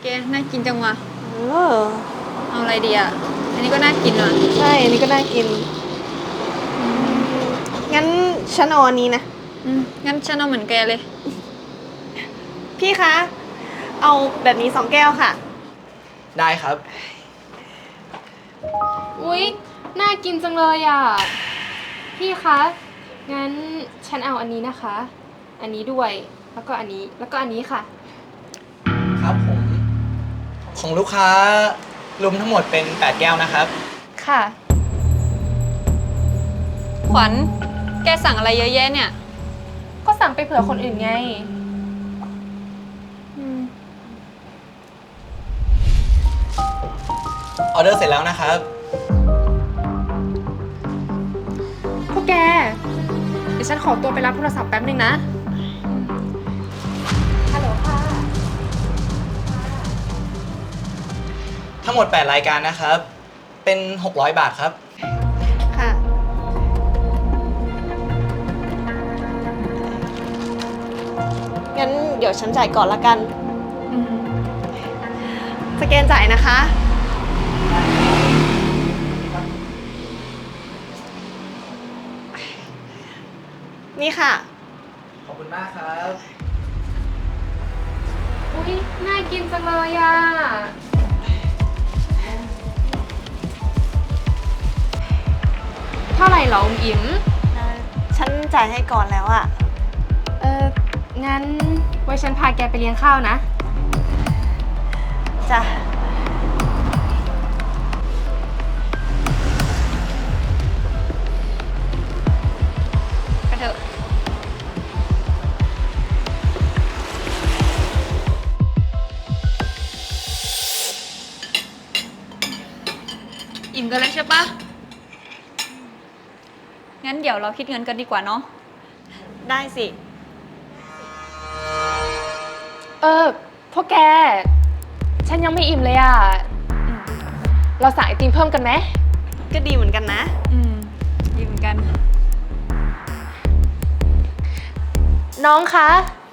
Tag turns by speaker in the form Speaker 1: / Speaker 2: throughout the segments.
Speaker 1: แกน่ากินจังวะ
Speaker 2: เออ
Speaker 1: เอาอะไรดีอ่ะอันนี้ก็น่ากินว่ะ
Speaker 2: ใช่อันนี้ก็น่ากินงั้นฉันเอาอันนี้นะ
Speaker 1: งั้นฉันเอาเหมือนแกเลย
Speaker 2: พี่คะ เอาแบบนี้2 แก้วค่ะ
Speaker 3: ได้ครับ
Speaker 4: อุ๊ย น่ากินจังเลยอ่ะ พี่คะ งั้นฉันเอาอันนี้นะคะ อันนี้ด้วย แล้วก็อันนี้ แล้วก็อันนี้ค่ะ
Speaker 3: ครับผม ของลูกค้ารวมทั้งหมดเป็น8แก้วนะครับ
Speaker 4: ค่ะ
Speaker 1: ขวัญแกสั่งอะไรเยอะแยะเนี่ย
Speaker 4: ก็สั่งไปเผื่อคนอื่นไง
Speaker 3: ออเดอร์เสร็จแล้วนะครับ
Speaker 4: พวกแก เดี๋ยวฉันขอตัวไปรับโทรศัพท์แป๊บนึงนะ ฮัลโหลค่ะ
Speaker 3: ทั้งหมด8รายการนะครับ เป็น600 บาทครับ
Speaker 2: ค่ะ งั้นเดี๋ยวฉันจ่ายก่อนละกัน สแกนจ่ายนะคะ นี่ค่ะ
Speaker 3: ขอบคุณมากครับ
Speaker 4: อุ๊ย น่ากินจังเลยอ่ะ เท่าไหร่เหรออมอิ๋ม
Speaker 2: ฉันจ่ายให้ก่อนแล้วอะ
Speaker 4: งั้นไว้ฉันพาแกไปเลี้ยงข้าวนะ
Speaker 2: จ้ะ
Speaker 1: ไปเถอะอิ่มกันแล้วใช่ปะงั้นเดี๋ยวเราคิดเงินกันดีกว่าเนาะ
Speaker 2: ได้สิ
Speaker 4: พวกแก ฉันยังไม่อิ่มเลยอ่ะ เราสั่งไอติมเพิ่มกันไหม
Speaker 2: ก็ดีเหมือนกันนะ
Speaker 1: ดีเหมือนกัน
Speaker 4: น้องคะ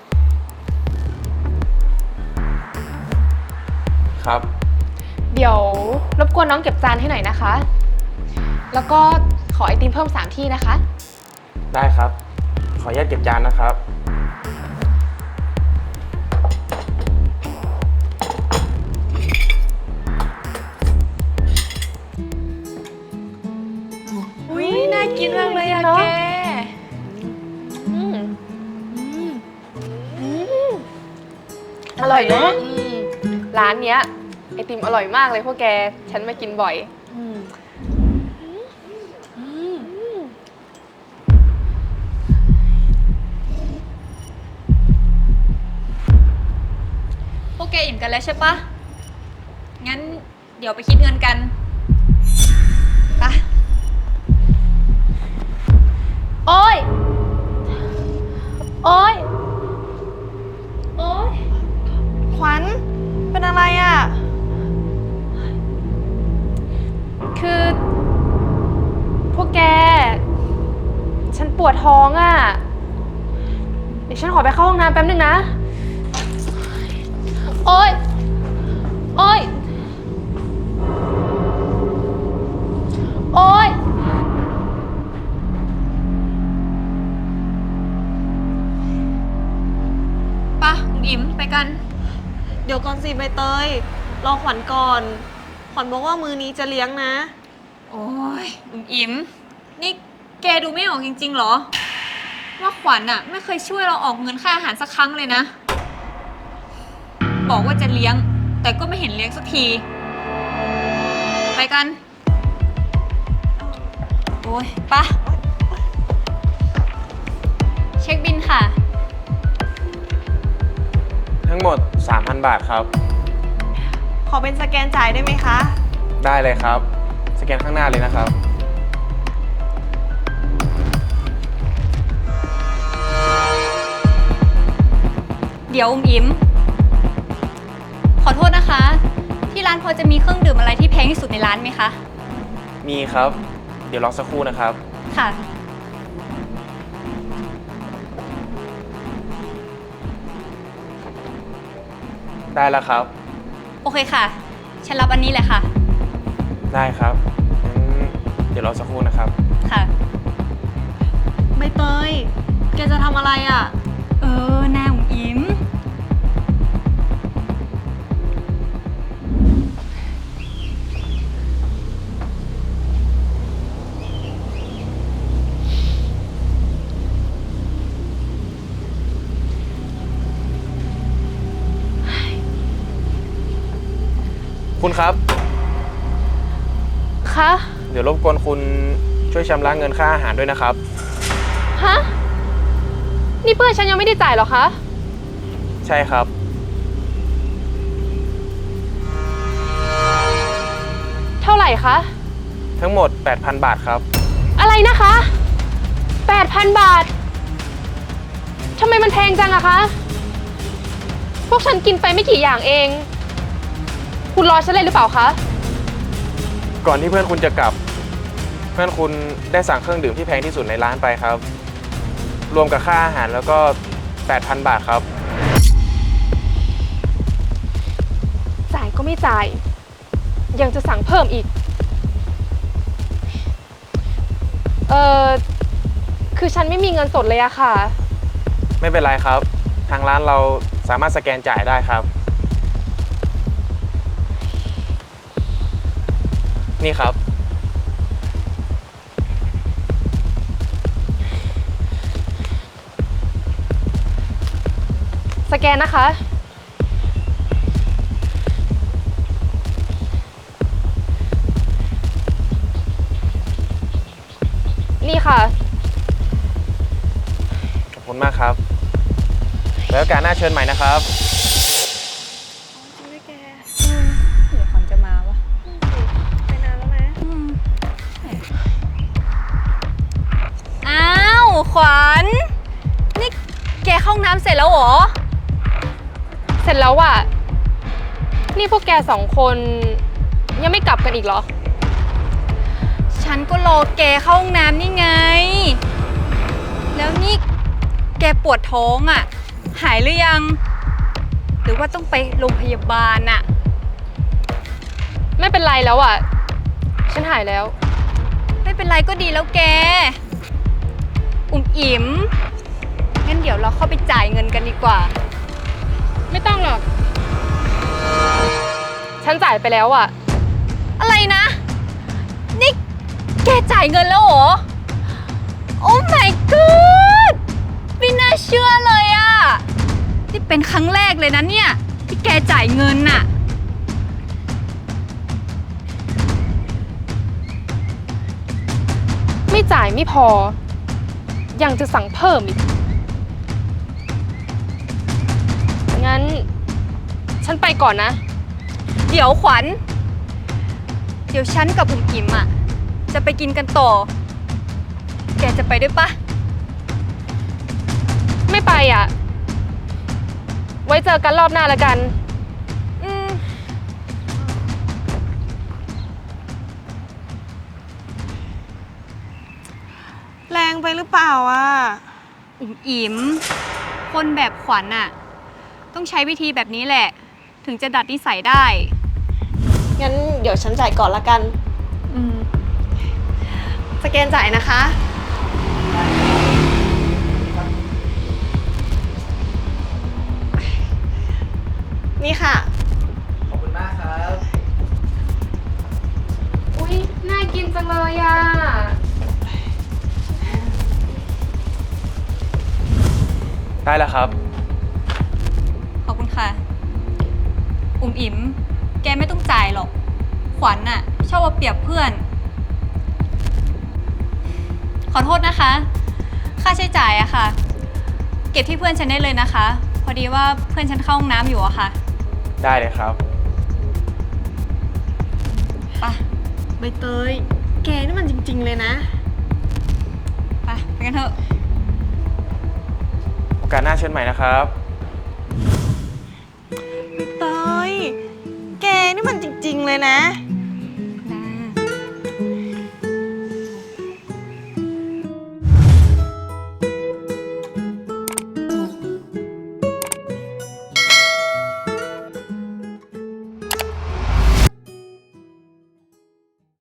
Speaker 5: ครับ
Speaker 4: เดี๋ยวรบกวนน้องเก็บจานให้หน่อยนะคะ แล้วก็ขอไอติมเพิ่ม3ที่นะคะ
Speaker 5: ได้ครับ ขออนุญาตเก็บจานนะครับ
Speaker 1: อุ้ยน่ากินมากเลยอะ
Speaker 4: เนอะ
Speaker 1: แก
Speaker 4: อร่อยเนอะร้านเนี้ยไอติมอร่อยมากเลยพวกแก ฉันมากินบ่อย
Speaker 1: พวกแกอิ่มกันแล้วใช่ปะงั้นเดี๋ยวไปคิดเงินกันไป
Speaker 4: โอ้ย โอ้ย โอ้ย
Speaker 2: ขวัญ เป็นอะไรอะ
Speaker 4: คือ พวกแก ฉันปวดท้องอ่ะ เดี๋ยวฉันขอไปเข้าห้องน้ำแป๊บนึงนะ โอ๊ย โอ๊ย โอ๊ย
Speaker 1: ปะอิ่มไปกัน
Speaker 2: เดี๋ยวก่อนสิใบเตย รอขวัญก่อน ขวัญบอกว่ามื้อนี้จะเลี้ยงนะ
Speaker 1: โอ้ยอิ่มนี่แกดูไม่ออกจริงๆเหรอ ว่าขวัญอะไม่เคยช่วยเราออกเงินค่าอาหารสักครั้งเลยนะ บอกว่าจะเลี้ยง แต่ก็ไม่เห็นเลี้ยงสักที ไปกัน โอ้ยปะเช็คบินค่ะ
Speaker 5: ทั้งหมด 3,000 บาทครับ
Speaker 2: ขอเป็นสแกนจ่ายได้ไหมคะ
Speaker 5: ได้เลยครับ สแกนข้างหน้าเลยนะครับ
Speaker 1: เดี๋ยวอิ่มขอโทษนะคะ ที่ร้านพอจะมีเครื่องดื่มอะไรที่แพงที่สุดในร้านไหมคะ
Speaker 5: มีครับ เดี๋ยวรอสักครู่นะครับ
Speaker 1: ค่ะ
Speaker 5: ได้แล้วครับ
Speaker 1: โอเคค่ะ ฉันรับอันนี้แหละค่ะ
Speaker 5: ได้ครับงั้นเดี๋ยวรอสักครู่นะครับ
Speaker 1: ค่ะ
Speaker 2: ใบเตย แกจะทำอะไรอะ
Speaker 1: หน้าอุ๋มอิ๋ม
Speaker 5: คุณครับ
Speaker 4: คะ
Speaker 5: เดี๋ยวรบกวนคุณช่วยชำระเงินค่าอาหารด้วยนะครับ
Speaker 4: ฮะ นี่เพื่อนฉันยังไม่ได้จ่ายเหรอคะ
Speaker 5: ใช่ครับ
Speaker 4: เท่าไหร่คะ
Speaker 5: ทั้งหมด 8,000 บาทครับ
Speaker 4: อะไรนะคะ 8,000 บาท ทำไมมันแพงจังอะคะ พวกฉันกินไปไม่กี่อย่างเอง คุณรอฉันเลยหรือเปล่าคะ
Speaker 5: ก่อนที่เพื่อนคุณจะกลับ เพื่อนคุณได้สั่งเครื่องดื่มที่แพงที่สุดในร้านไปครับ รวมกับค่าอาหารแล้วก็ 8,000 บาทครับ
Speaker 4: จ่ายก็ไม่จ่าย ยังจะสั่งเพิ่มอีก คือฉันไม่มีเงินสดเลยอะค่ะ
Speaker 5: ไม่เป็นไรครับ ทางร้านเราสามารถสแกนจ่ายได้ครับ นี่ครับ
Speaker 4: สแกนนะคะ นี่ค่ะ
Speaker 5: ขอบคุณมากครับ แล้วโอกาสหน้าเชิญใหม่นะครับ
Speaker 1: เดี๋ยวขวัญจะมาวะ
Speaker 2: ไปนานแล้วนะ
Speaker 1: อ้าวขวัญ นี่แกเข้าห้องน้ำเสร็จแล้วเหรอ
Speaker 4: เสร็จแล้วอะนี่พวกแกสองคนยังไม่กลับกันอีกเหรอ
Speaker 1: ฉันก็รอแกเข้าห้องน้ำนี่ไง แล้วนี่แกปวดท้องอ่ะ หายหรือยัง หรือว่าต้องไปโรงพยาบาลอ่ะ
Speaker 4: ไม่เป็นไรแล้วอะฉันหายแล้ว
Speaker 1: ไม่เป็นไรก็ดีแล้วแก อุ่มอิ๋มงั้นเดี๋ยวเราเข้าไปจ่ายเงินกันดีกว่า
Speaker 4: ไม่ต้องหรอก ฉันจ่ายไปแล้วอะ
Speaker 1: อะไรนะ นี่แกจ่ายเงินแล้วเหรอ โอ้ my god ไม่น่าเชื่อเลยอะ นี่เป็นครั้งแรกเลยนะเนี่ย ที่แกจ่ายเงินน่ะ
Speaker 4: ไม่จ่ายไม่พอ ยังจะสั่งเพิ่มอีก งั้น ฉันไปก่อนนะ
Speaker 1: เดี๋ยวขวัญ เดี๋ยวฉันกับอุ่มอิ๋มอะจะไปกินกันต่อ แกจะไปด้วยปะ
Speaker 4: ไม่ไปอะไว้เจอกันรอบหน้าละกัน
Speaker 1: อืม
Speaker 2: แรงไปหรือเปล่าอะ
Speaker 1: อุ่มอิ๋มคนแบบขวัญอะต้องใช้วิธีแบบนี้แหละ ถึงจะดัดนิสัยได้
Speaker 2: งั้นเดี๋ยวฉันจ่ายก่อนละกัน สแกนจ่ายนะคะ นี่ค่ะ
Speaker 3: ขอบคุณมากครับ
Speaker 4: อุ๊ย น่ากินจังเลยอะ
Speaker 5: ได้แล้วครับ
Speaker 1: ขอบคุณค่ะ อุ่มอิ๋มแกไม่ต้องจ่ายหรอก ขวัญน่ะ ชอบเอาเปรียบเพื่อน ขอโทษนะคะ ค่าใช้จ่ายอะค่ะ เก็บที่เพื่อนฉันได้เลยนะคะ พอดีว่าเพื่อนฉันเข้าห้องน้ำอยู่อะค่ะ
Speaker 5: ได้เลยครับ
Speaker 1: ไป
Speaker 2: ใบเตย แกนี่มันจริงๆเลยนะ
Speaker 1: ไปกันเถอะ
Speaker 5: โอกาสหน้าเชิญใหม่นะครับ
Speaker 2: ใบเตย แกนี่มันจริงๆเลยนะ